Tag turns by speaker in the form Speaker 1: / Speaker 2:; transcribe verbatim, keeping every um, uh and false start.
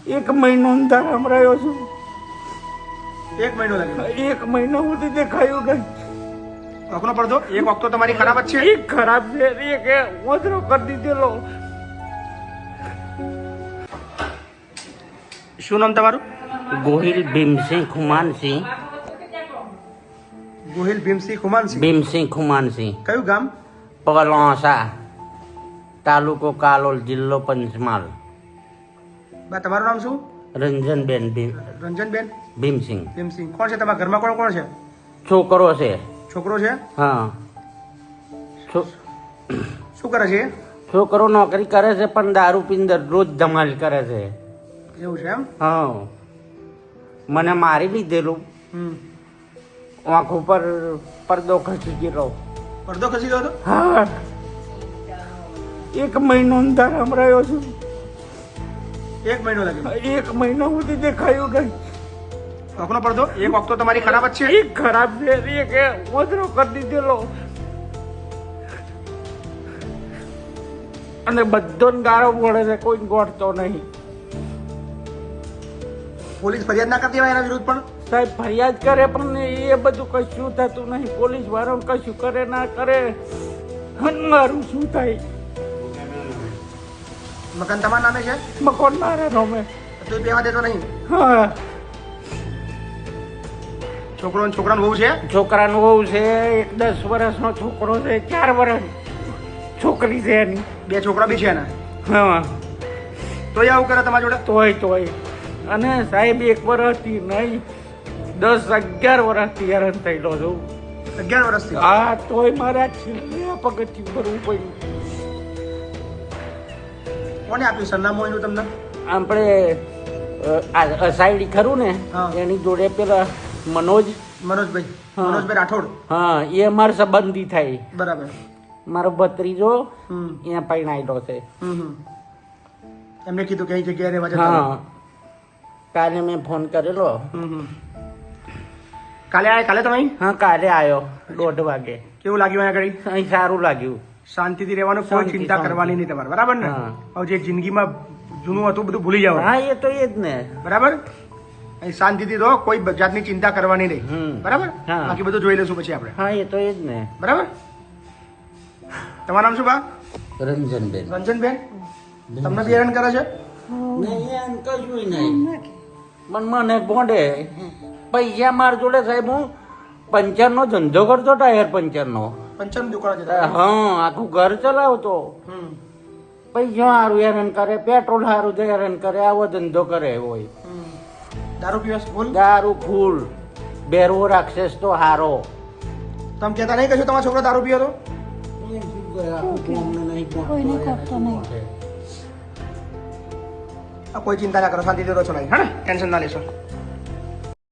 Speaker 1: એક મહિનો અંદર હમણાં છું.
Speaker 2: એક મહિનો લાગ્યો?
Speaker 1: એક મહિનો સુધી દેખાયું નહીં.
Speaker 2: આંખનો પડદો એક વખત તમારી ખરાબ જ છે.
Speaker 1: એક ખરાબ છે, એક ઓછરો કરી દીધેલો.
Speaker 2: શું નામ તમારું?
Speaker 1: ગોહિલ ભીમસિંહ ખુમાનસિંહ.
Speaker 2: ગોહિલ ભીમસિંહ ખુમાનસિંહ.
Speaker 1: ભીમસિંહ ખુમાનસિંહ.
Speaker 2: કયું ગામ?
Speaker 1: પલોસા, તાલુકો કાલોલ, જિલ્લો પંચમહાલ.
Speaker 2: બા તમારું નામ શું?
Speaker 1: રંજનબેન ભીમ.
Speaker 2: રંજનબેન
Speaker 1: ભીમસિંહ.
Speaker 2: ભીમસિંહ. કોણ છે તમારા ઘરમાં? કોણ કોણ છે?
Speaker 1: છોકરો છે.
Speaker 2: છોકરો છે?
Speaker 1: હા.
Speaker 2: શું કરે છે?
Speaker 1: છોકરો નોકરી કરે છે પણ દારૂ પીને રોજ ધમાલ કરે છે.
Speaker 2: એવું છે એમ?
Speaker 1: હા. મને મારી લીધેલું.
Speaker 2: હમ.
Speaker 1: આંખ ઉપર પડદો ખસી ગયેલો.
Speaker 2: પડદો ખસી ગયો હતો?
Speaker 1: હા. એક મહિનો અંદર હમણાં છું.
Speaker 2: એક મહિનો લાગ્યો?
Speaker 1: એક મહિનો સુધી દેખાયું નહીં.
Speaker 2: આંખનો પડદો એક વખત તમારી ખરાબ જ છે.
Speaker 1: એક ખરાબ છે, એક ઓછરો કરી દીધેલો. અને બધો ગાળો પડે છે, કોઈ ગોઠતો નહીં.
Speaker 2: પોલીસ ફરિયાદ ના કરતી હોય એના વિરુદ્ધ? પણ
Speaker 1: સાહેબ ફરિયાદ કરે પણ એ બધું કશું થતું નહીં. પોલીસ વાળો કશું કરે ના કરે, મારું શું થાય?
Speaker 2: મકાન તમારા નામે છે?
Speaker 1: મકાન મારા નામે.
Speaker 2: તો એ બેવા દેતો નહીં?
Speaker 1: હા.
Speaker 2: છોકરો છોકરાનો વહુ છે?
Speaker 1: છોકરાનો વહુ છે. એક દસ વર્ષનો છોકરો છે, ચાર વર્ષ છોકરી છે એની.
Speaker 2: બે છોકરા બી છે એના?
Speaker 1: હા.
Speaker 2: તોય આવું કરે તમારી જોડે?
Speaker 1: તોય તોય અને સાહેબ એક વર્ષથી નહીં, દસ અગિયાર વર્ષથી હેરાન થયેલો છું.
Speaker 2: અગિયાર વર્ષથી?
Speaker 1: હા. તોય મારા છેલ્લે પગથિયું ભરવું પડ્યું.
Speaker 2: કોને આપ્યું સરનામું એનું તમને?
Speaker 1: આપણે અસાયડી ખરું ને, એની જોડે પેલા મનોજ.
Speaker 2: મનોજભાઈ? મનોજભાઈ રાઠોડ?
Speaker 1: હા. એ અમારો સંબંધી થાય.
Speaker 2: બરાબર.
Speaker 1: મારો ભત્રીજો અહીંયા પરણાયેલો છે.
Speaker 2: એમને કીધું કે અહીં જગ્યાએ રહેવા જતા?
Speaker 1: હા. કાલે મેં ફોન કરેલો.
Speaker 2: કાલે આવ્યા? કાલે તમે?
Speaker 1: હા કાલે આવ્યો દોઢ વાગે.
Speaker 2: કેવું લાગ્યું અહીંયા આગળ?
Speaker 1: અહીં સારું લાગ્યું.
Speaker 2: શાંતિથી રહેવાનું, કોઈ ચિંતા કરવાની નહીં તમારે. બરાબર ને? હવે જે જિંદગીમાં જૂનું હતું બધું ભૂલી જાવ.
Speaker 1: હા એ તો એ જ ને.
Speaker 2: બરાબર. અહીં શાંતિથી રહો, કોઈ જાતની ચિંતા કરવાની નહીં. બરાબર. બાકી બધું જોઈ લઈશું પછી આપણે.
Speaker 1: હા એ તો એ જ ને.
Speaker 2: બરાબર. તમારું નામ શું બા?
Speaker 1: રંજનબેન.
Speaker 2: રંજનબેન. તમને બી હેરાન કરે છે?
Speaker 1: નહીં કશું નહીં, પણ મને ગોંડે પૈસા માર જોડે. સાહેબ હું પંચર નો ધંધો કરતો, ટાયર પંચર નો.
Speaker 2: પંચર દુકાન છે?
Speaker 1: હા. આખું ઘર ચલાવતો. પૈસા સારું હેરાન કરે, પેટ્રોલ સારું હેરાન કરે, આવો ધંધો કરે હોય.
Speaker 2: દારૂ પીવા? ફૂલ
Speaker 1: દારૂ ફૂલ. બેરવો રાક્ષસ તો હારો.
Speaker 2: તમે કહેતા નહીં કશું તમારો છોકરો દારૂ પીવો તો? કોઈ ચિંતા ના કરો, શાંતિથી રહો છો. નહીં હા, ટેન્શન ના લેશો.